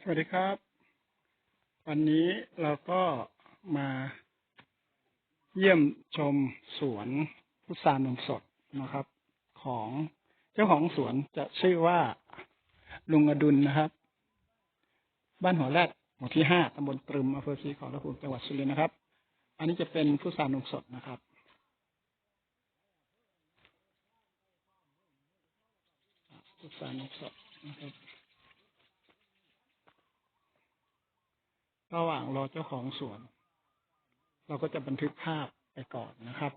สวัสดีครับ วันนี้เราก็มาเยี่ยมชมสวนพุทรานมสดนะครับ ของเจ้าของสวนจะชื่อว่าลุงอดุลนะครับ บ้านหัวแรดหมู่ที่ 5 ตำบลตรึมอำเภอศรีขอรภูมิจังหวัดสุรินทร์นะครับ อันนี้จะเป็นพุทรานมสดนะครับพุทรานมสดนะครับระหว่างรอเจ้าของสวน เราก็จะบันทึกภาพไปก่อนนะครับ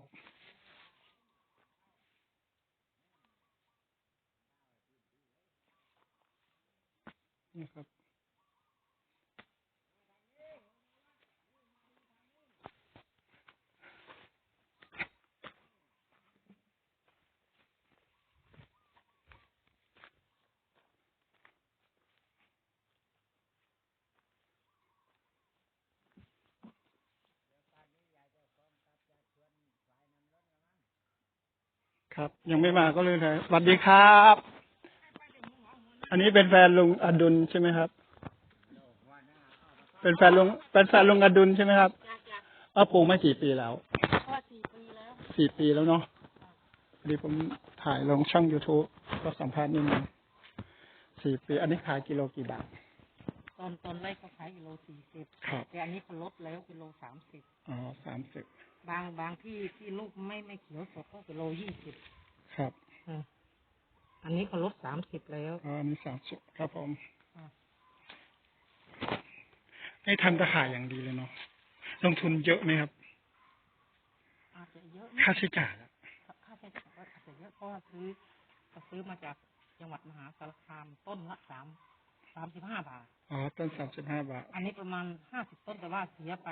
ครับ ยังไม่มาก็เลยสวัสดีครับ อันนี้เป็นแฟนลุงอดุลใช่ไหมครับ เป็นแฟนลุงอดุลใช่ไหมครับปลูกมากี่ปีแล้ว4 ปีแล้วเนาะพอดีผมถ่ายลงช่อง YouTube ก็สัมภาษณ์นิดนึง4 ปี อันนี้ขายกิโลกี่บาทตอนแรกเขาขายกิโล40 ครับแต่อันนี้เขาลดแล้วกิโล30 อ๋อ30 บางที่ลูกไม่เขียวสดก็กิโล20 ครับอันนี้เขาลด30แล้วอ๋ออันนี้30ครับผมให้ทำตะข่ายอย่างดีเลยเนาะลงทุนเยอะไหมครับอาจจะเยอะค่าใช้จ่ายค่าใช้จ่ายอาจจะเยอะเพราะว่าซื้อมาจากจังหวัดมหาสารคามต้นละ35 บาทอ๋อต้น35 บาทอันนี้ประมาณ50 ต้นแต่ว่าเสียไป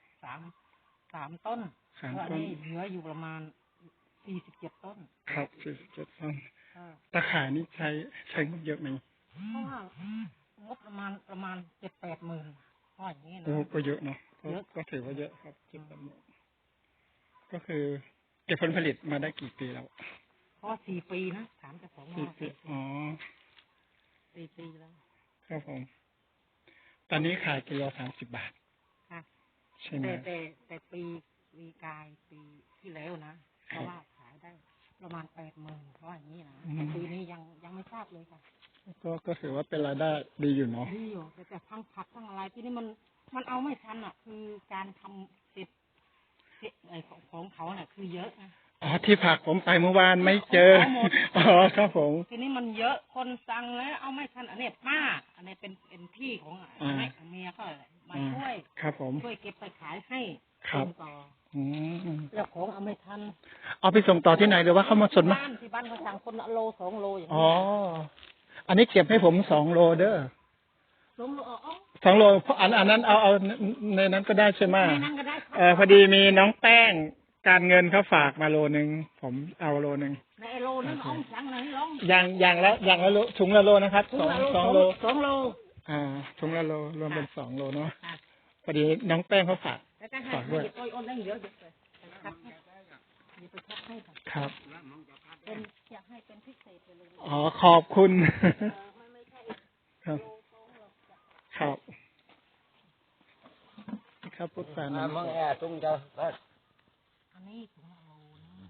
3 ต้นอันนี้เหลืออยู่ประมาณ47 ต้นครับ47 ต้นตะข่ายนี่ใช้งบเยอะไหมเพราะว่างบประมาณ7-8 หมื่นเพราะอย่างนี้นะโอ้ก็เยอะเนาะก็ถือว่าเยอะครับ7-8 หมื่นก็คือเก็บผลผลิตมาได้กี่ปีแล้วเพราะ4 ปีนะถามเจ้าของว่า 4 ปีอ๋อ 4 ปีแล้วครับผมตอนนี้ขายกิโล30 บาทค่ะใช่ไหมแต่ปีกายปีที่แล้วนะเพราะว่าขายได้ประมาณ80,000เพราะอย่างนี้นะปีนี้ยังไม่ทราบเลยค่ะก็ถือว่าเป็นรายได้ดีอยู่เนาะดีอยู่แต่ทั้งผักทั้งอะไรที่นี่มันเอาไม่ทันอ่ะคือการทำเสร็จไอ้ของเขาเนี่ยคือเยอะนะอ๋อที่ผักผมไปเมื่อวานไม่เจออ๋อครับผมทีนี้มันเยอะคนสั่งแล้วเอาไม่ทันอันนี้ป้าอันนี้เป็นพี่ของเมียก็มาช่วยครับผมช่วยเก็บไปขายให้ครับต่อเจ้าของเอาไม่ทันเอาไปส่งต่อที่ไหนหรือว่าเขามาส่งมาที่บ้านเขาสั่งคนละโล2 โลอย่างนี้อ๋ออันนี้เก็บให้ผม2 โลเด้อ 2 โล 2 โลเพราะอันนั้นเอาในนั้นก็ได้ใช่ไหมในนั้นก็ได้พอดีมีน้องแป้งการเงินเขาฝากมาโลนึงผมเอาโลนึงในโลนึงเอาสั่งไหนลงอย่างละโลถุงละโลนะครับ2 โล 2 โลถุงละโลรวมเป็น2 โลเนาะพอดีน้องแป้งเขาฝากด้วยครับอยากให้เป็นพิเศษไปเลยอ๋อขอบคุณครับครับครับพุทธานะมึงแอบตุ้งเจ้าอันนี้ถุงละโลนะ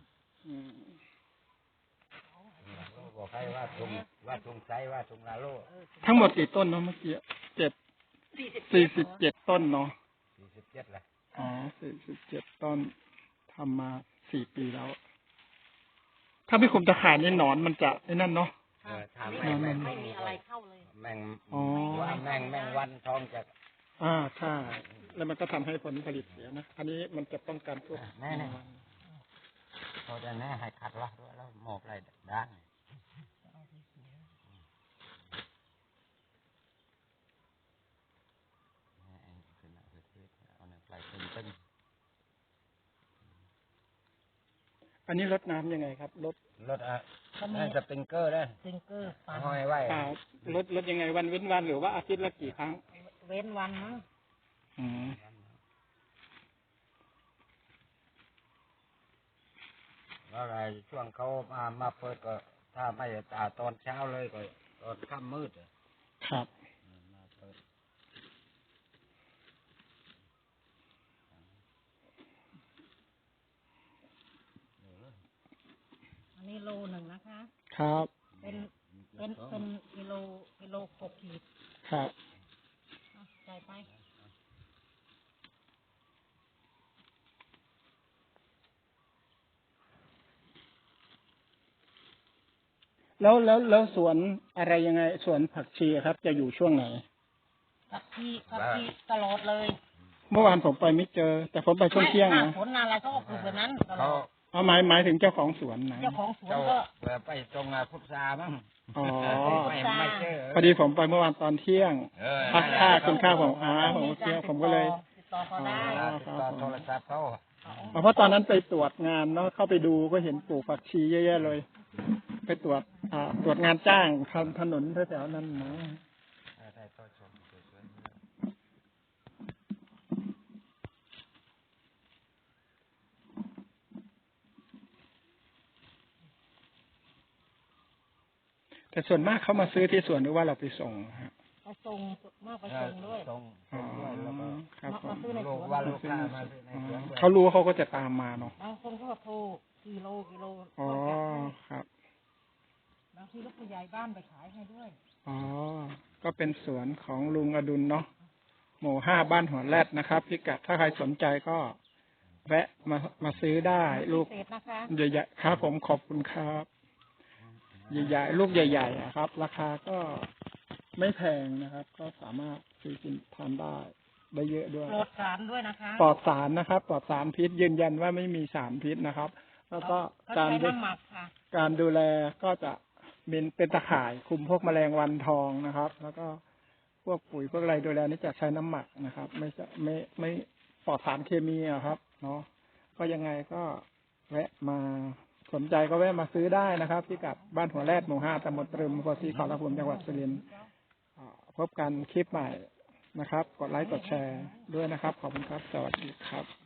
บอกให้ว่าตุ้งไซว่าตุ้งละโลทั้งหมดกี่ต้นเนาะเมื่อกี้47 ต้นเนาะ 47แหละอ๋อ47 ต้นทำมา4 ปีแล้วถ้าไม่คุมตะข่ายนี่หนอนมันจะไอ้นั่นเนาะไม่มีอะไรเข้าเลยแมงวันทองจะใช่แล้วมันก็ทำให้ผลผลิตเสียนะอันนี้มันจะป้องกันพวกแน่เขาจะแน่ให้ขัดละด้วยแล้วหมอบอะไรด้านอันนี้รดน้ำยังไงครับรดนั่นสปริงเกอร์นะสปริงเกอร์ห้อยไว้รดยังไงวันเว้นวันหรือว่าอาทิตย์ละกี่ครั้งเว้นวันนะอะไรช่วงเขามาเปิดก็ถ้าไม่ตอนเช้าเลยก็ตอนค่ำมืดครับนี่โลหนึ่งนะคะครับเป็นกิโล6 ขีดครับใส่ไปแล้วสวนอะไรยังไงสวนผักชีครับ จะอยู่ช่วงไหนผักชีตลอดเลยเมื่อวานผมไปไม่เจอ แต่ผมไปช่วงเที่ยงหน้านะฝนอะไรก็ปลูกแบบนั้นตลเขาอดเอาหมายถึงเจ้าของสวนนะเจ้าของสวนเจ้าก็ไปตรงพุทรามั้งอ๋อไม่เจอพอดีผมไปเมื่อวานตอนเที่ยง พักค่ากินข้าวผมผมเที่ยงผมก็เลยติดต่อเขาได้ติดต่อโทรศัพท์เขาเพราะตอนนั้นไปตรวจงานเนาะเข้าไปดูก็เห็นปลูกผักชีเยอะๆเลย ไปตรวจงานจ้างทำถนนแถวๆนั้นนะได้ต่อชมสวยๆแต่ส่วนมากเขามาซื้อที่สวนหรือว่าเราไปส่งฮะไปส่งมากไปส่งด้วยส่งอ๋อด้วยแล้วก็ครับผมมาซื้อในสลูวกนว่าลูกค้ามาซื้อในสวนด้วยเขารู้เขาก็จะตามมาเนาะบางคนก็โทรกิโลอ๋อก็จัดให้ครับบางทีลูกผู้ใหญ่บ้านไปขายให้ด้วยอ๋อ ก็เป็นสวนของลุงอดุลเนาะ หมู่5บ้านหัวแรดนะครับพิกัดถ้าใครสนใจก็แวะมาซื้อได้ลูกพิเศษนะคะใหญ่ๆครับผมขอบคุณครับ ใหญ่ๆลูกใหญ่ๆอะครับ ราคาก็ไม่แพงนะครับ ก็สามารถซื้อกินทานได้เยอะด้วยโปรดสารด้วยนะคะปลอดสารนะครับปลอดสารพิษยืนยันว่าไม่มีสารพิษนะครับ แล้วก็กาการ รใช้น้ำหมักค่ะการดูแลก็จะเป็นตะข่ายคุมพวกแมลงวันทองนะครับ แล้วก็พวกปุ๋ยพวกอะไรดูแลนี่จะใช้น้ำหมักนะครับ ไม่ปลอดสารเคมีอะครับเนาะก็ยังไงก็แวะมาสนใจก็แวะมาซื้อได้นะครับที่กับบ้านหัวแรดหมู่5ตำบลตรึมอำเภอศรีขอรภูมิจังหวัดสุรินทร์พบกันคลิปใหม่นะครับ กดไลค์กดแชร์ด้วยนะครับ ขอบคุณครับ สวัสดีครับ